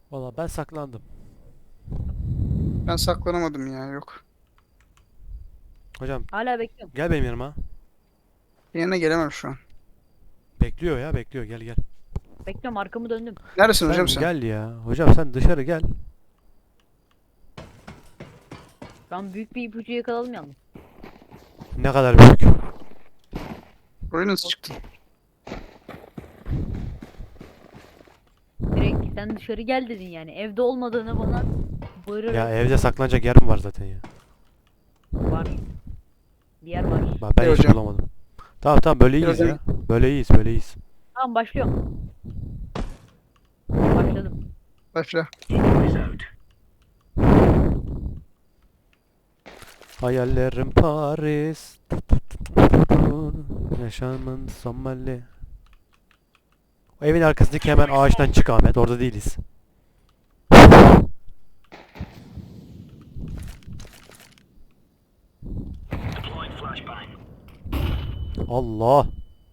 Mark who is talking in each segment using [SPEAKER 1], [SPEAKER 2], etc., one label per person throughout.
[SPEAKER 1] Valla ben saklandım.
[SPEAKER 2] Ben saklanamadım ya, yok.
[SPEAKER 1] Hocam
[SPEAKER 3] Hala bekliyorum.
[SPEAKER 1] gel benim yanıma.
[SPEAKER 2] Yerine gelemem şu an.
[SPEAKER 1] Bekliyor ya bekliyor, gel gel.
[SPEAKER 3] Bekliyorum, arkamı döndüm.
[SPEAKER 2] Neredesin hocam
[SPEAKER 1] Sen
[SPEAKER 2] sen?
[SPEAKER 1] gel ya. Hocam sen dışarı gel.
[SPEAKER 3] Ben büyük bir ipucu yakaladım yalnız.
[SPEAKER 1] Ne kadar büyük.
[SPEAKER 2] Buraya nasıl çıktın?
[SPEAKER 3] Direkt sen dışarı gel dedin yani. Evde olmadığını bana bağırarak
[SPEAKER 1] Ya evde saklanacak yerim var zaten ya.
[SPEAKER 3] var. Bir yer var.
[SPEAKER 1] Bak ben
[SPEAKER 2] Gel
[SPEAKER 1] hiç
[SPEAKER 2] hocam.
[SPEAKER 1] bulamadım. Tamam tamam, böyle
[SPEAKER 2] Gel
[SPEAKER 1] iyiyiz
[SPEAKER 2] hocam.
[SPEAKER 1] ya. Böyle iyiyiz böyle iyiyiz.
[SPEAKER 3] Tamam, başlıyorum. Başladım.
[SPEAKER 2] Başla.
[SPEAKER 1] Hayallerim Paris. Yaşamın Somali. O evin arkasındaki hemen ağaçtan çık Ahmet. Orada değiliz. Allah.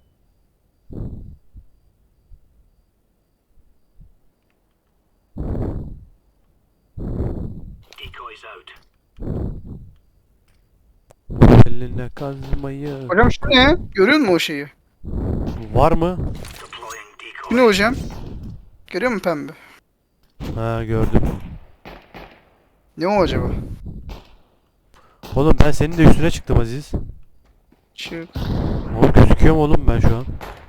[SPEAKER 1] Eline kazmayı.
[SPEAKER 2] Hocam şu ne? Görüyor musun o şeyi?
[SPEAKER 1] Var mı?
[SPEAKER 2] Bu ne hocam? Görüyor musun pembe?
[SPEAKER 1] Ha, gördüm.
[SPEAKER 2] Ne o acaba?
[SPEAKER 1] Oğlum ben senin de üstüne çıktım Aziz.
[SPEAKER 2] Çık.
[SPEAKER 1] Oğlum gözüküyor mu oğlum ben şu an?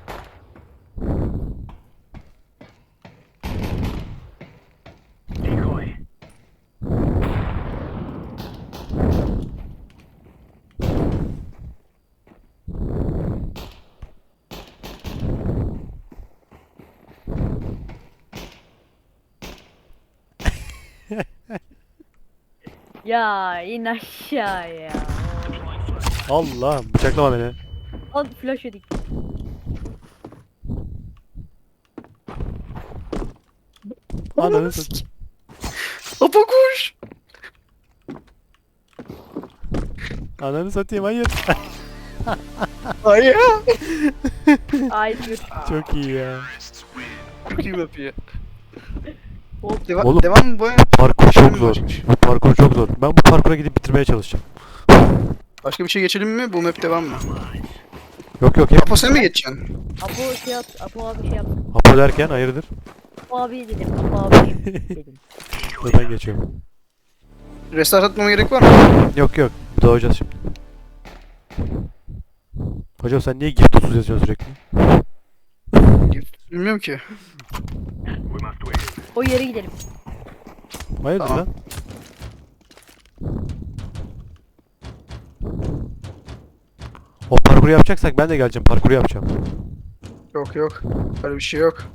[SPEAKER 3] Ya in aşağıya.
[SPEAKER 1] Allah, bıçaklama beni.
[SPEAKER 3] Al flash yedik.
[SPEAKER 1] Ananı satayım.
[SPEAKER 2] Apo koş.
[SPEAKER 1] Ananı satayım, hayır.
[SPEAKER 2] Ay ya.
[SPEAKER 3] Ay dur.
[SPEAKER 1] Çok iyi ya.
[SPEAKER 2] Çok iyi yapıyor.
[SPEAKER 3] Hop.
[SPEAKER 1] Oğlum,
[SPEAKER 2] Devam mı bu?
[SPEAKER 1] Parkur çok
[SPEAKER 2] Geçelim mi
[SPEAKER 1] zor.
[SPEAKER 2] başka bir şey?
[SPEAKER 1] Bu parkur çok zor. Ben bu parkura gidip bitirmeye çalışacağım.
[SPEAKER 2] Başka bir şey geçelim mi? Bu map devam mı?
[SPEAKER 1] Yok yok, hep
[SPEAKER 2] Apo sen mi geçeceksin?
[SPEAKER 3] Apo şey yap. Apo abi şey yap.
[SPEAKER 1] Apo derken hayırdır?
[SPEAKER 3] Apo abi dedim. Apo abi dedim.
[SPEAKER 1] Dur ben geçiyorum.
[SPEAKER 2] Restart atmama gerek var mı?
[SPEAKER 1] Yok yok, doğacağız şimdi. Hocam sen niye gift 30 yazıyorsun sürekli?
[SPEAKER 2] Bilmiyorum ki.
[SPEAKER 3] O yere gidelim.
[SPEAKER 1] Hayırdır
[SPEAKER 2] Tamam.
[SPEAKER 1] lan? O parkuru yapacaksak ben de geleceğim, parkuru yapacağım.
[SPEAKER 2] Yok yok. Öyle bir şey yok.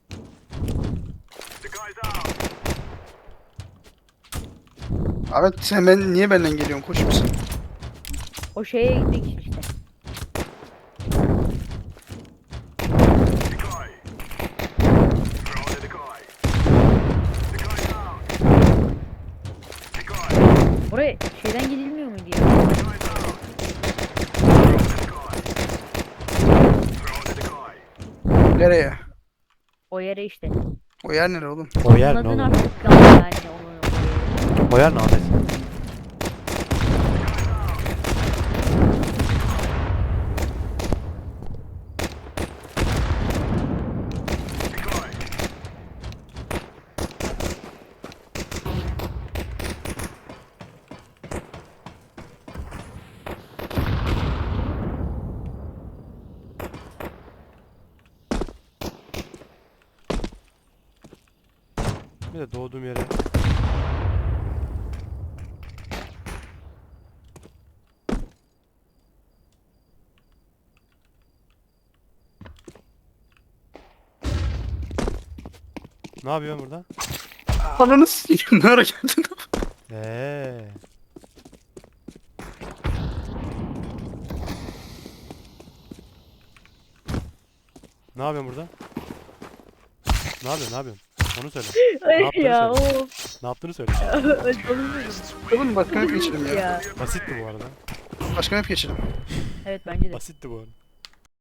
[SPEAKER 2] Ahmet sen niye benden geliyorsun? Koç musun?
[SPEAKER 3] O şeye gitmek için işte. Buraya şeyden gidilmiyor muydu ya?
[SPEAKER 2] Nereye?
[SPEAKER 3] O yere işte.
[SPEAKER 2] O yer nere oğlum?
[SPEAKER 1] O yer ne
[SPEAKER 3] Anladın
[SPEAKER 1] oğlum?
[SPEAKER 3] artık yani onu.
[SPEAKER 1] O yer ne Ahmet? Bir de doğduğum yere. Ne yapıyorsun burada?
[SPEAKER 2] Ananı s**eyim. Ne ara geldin?
[SPEAKER 1] Eee. Ne yapıyorsun burada? Ne yapıyorsun? Ne yapıyorsun? Onu söyle.
[SPEAKER 3] Ay
[SPEAKER 1] yaptığını
[SPEAKER 3] ya
[SPEAKER 1] söyle.
[SPEAKER 3] o.
[SPEAKER 1] Ne yaptığını söyle.
[SPEAKER 2] Oğlum başka map geçelim ya.
[SPEAKER 3] Ya.
[SPEAKER 1] Basitti bu arada.
[SPEAKER 2] Başka map geçelim.
[SPEAKER 3] Evet bence de.
[SPEAKER 1] Basitti bu arada.